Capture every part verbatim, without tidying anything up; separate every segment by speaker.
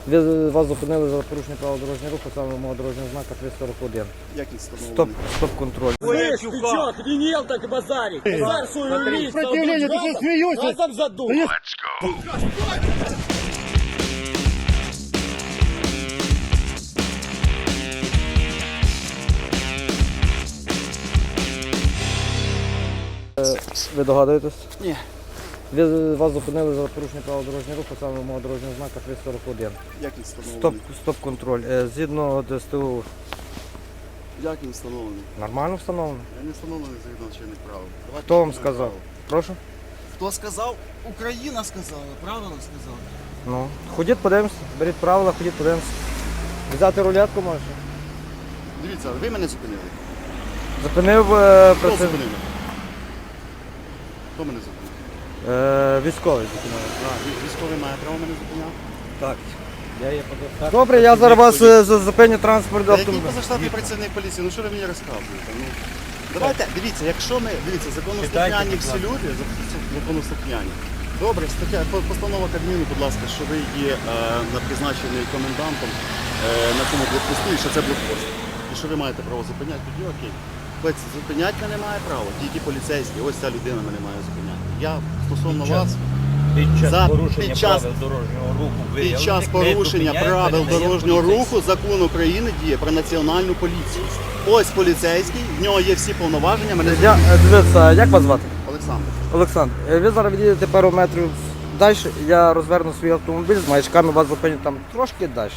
Speaker 1: Ви вас зупинили за порушення правил дорожнього руху, саме мого дорожнього знака три сорок один.
Speaker 2: Який встановлений?
Speaker 1: Стоп, стоп-контроль.
Speaker 3: Слышь, ты чё, охренел так базарить? Базар свою умеешь,
Speaker 2: Сопротивление, ты что смеешься?
Speaker 3: газом задул.
Speaker 1: Ви догадуєтесь?
Speaker 2: Ні.
Speaker 1: Ви вас зупинили за порушення правил дорожнього руху, саме мого дорожнього знака три сорок один.
Speaker 2: Який
Speaker 1: Стоп,
Speaker 2: встановлений?
Speaker 1: стоп-контроль. Е, Згідно ДСТУ
Speaker 2: Як він встановлений?
Speaker 1: нормально встановлено?
Speaker 2: Я не встановлений згідно чинних правил. Давайте
Speaker 1: Хто вам
Speaker 2: чинних
Speaker 1: сказав?
Speaker 2: правил.
Speaker 1: Прошу?
Speaker 2: Хто сказав? Україна сказала, правильно сказала.
Speaker 1: Ну, ходіть, подивимося, беріть правила, ходіть, подивимося. Взяти рулетку можете?
Speaker 2: Дивіться, ви мене зупинили.
Speaker 1: Зупинив е,
Speaker 2: Хто
Speaker 1: праців...
Speaker 2: зупинив? Хто мене зупинив?
Speaker 1: е, військовий. Зупинив.
Speaker 2: А, вій- військовий має право мене зупиняти?
Speaker 1: Так. Добре, я зараз вас е, за- зупиню транспорт
Speaker 2: Та який
Speaker 1: автомобіля.
Speaker 2: позаштатний працівник поліції? Ну що ви мені розказуєте? Ну, давайте, дивіться, якщо ми, дивіться, законослухняні всі люди, законослухняні. Добре, стаття, по- постанова Кабміну, будь ласка, що ви є е, на призначений комендантом е, на цьому блокпосту і що це блокпост. І що ви маєте право зупиняти, тоді окей. Хоч зупиняти мене має право, тільки поліцейський, ось ця людина мене має зупиняти. Я стосовно
Speaker 4: Під час-
Speaker 2: вас,
Speaker 4: Під час
Speaker 2: За-
Speaker 4: порушення
Speaker 2: під час-
Speaker 4: правил дорожнього руху
Speaker 2: під
Speaker 4: виявлених,
Speaker 2: час
Speaker 4: ми
Speaker 2: порушення
Speaker 4: зупиняємо,
Speaker 2: правил
Speaker 4: передаємо
Speaker 2: дорожнього
Speaker 4: поліцейським.
Speaker 2: руху закон України діє про національну поліцію. Ось поліцейський, в нього є всі повноваження, мене
Speaker 1: Я, е, дивіться, як вас звати?
Speaker 2: Олександр.
Speaker 1: Олександр, е, ви зараз відійдете пару метрів далі, я розверну свій автомобіль з маячками, вас зупиню там трошки далі.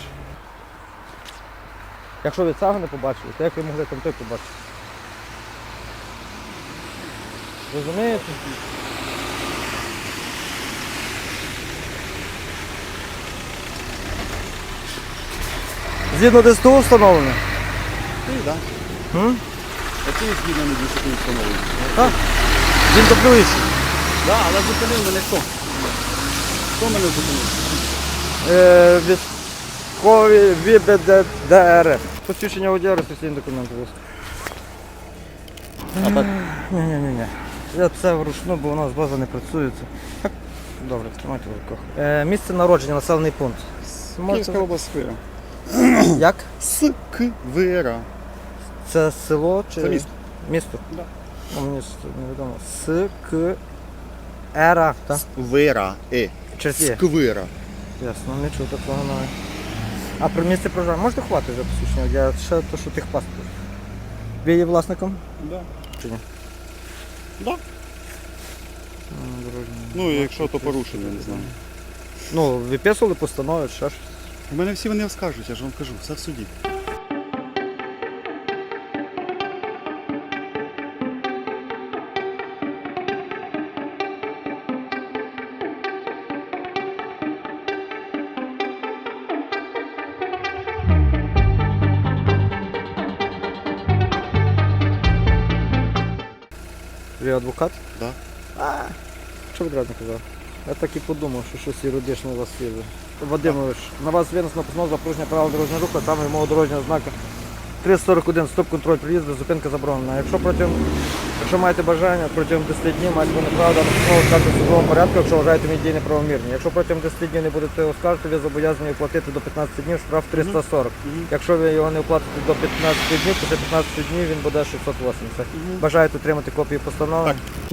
Speaker 1: Якщо ви цього не побачили, то як ви могли там той побачити? Розумієте? Згідно ДСТУ встановлено?
Speaker 2: Ти, так?
Speaker 1: М?
Speaker 2: А ти згідно не дуже не встановлений.
Speaker 1: Так. Він доплюється.
Speaker 2: Так, але зупинив мене хто? Хто мене зупинив?
Speaker 1: Е, військові ВІБДДР. Посвідчення водія, реєстраційні документи. будь ласка.
Speaker 2: А так?
Speaker 1: Ні-ні-ні. Я це вручну, бо у нас база не працює. Це- Так. Добре, тримайте в руках. Е, місце народження, населений пункт. Можете-
Speaker 2: Київська область Сквира.
Speaker 1: Як?
Speaker 2: Сквира.
Speaker 1: Це село чи
Speaker 2: Це місто.
Speaker 1: Місто?
Speaker 2: Да.
Speaker 1: Ну, мені ж невідомо. С К Ера, так?
Speaker 2: Сквира. Е.
Speaker 1: Через Є.
Speaker 2: Сквира.
Speaker 1: Ясно, не чув такого навіть. А про місце проживання можете хватити за посвідчення водія? Ще то, що тих паспорт. Ви є власником?
Speaker 2: Да.
Speaker 1: Чи ні?
Speaker 2: Да.
Speaker 1: М, дорожній.
Speaker 2: Ну, і якщо то порушення, не знаю.
Speaker 1: Ну, виписували постанови, ще щось.
Speaker 2: У мене всі вони скажуть, я ж вам кажу, все в суді.
Speaker 1: Ви адвокат?
Speaker 2: Да.
Speaker 1: А, що відразу не казав? Я так і подумав, що щось юридичне у вас є. Вадимович, на вас винесено постанова за порушення правил дорожнього руху, а саме мого дорожнього знака три сорок один, стоп-контроль приїзду, зупинка заборонена. Якщо протягом, якщо маєте бажання, протягом десяти днів маєте неправда, постанову скажете в судовому порядку, якщо вважаєте мій дії неправомірні. Якщо протягом десяти днів не будете оскаржити, ви зобов'язані оплатити до п'ятнадцяти днів штраф триста сорок. Якщо ви його не оплатите до п'ятнадцяти днів, після п'ятнадцяти днів він буде шістсот вісімдесят. Бажаєте отримати копію постанови?
Speaker 2: Так.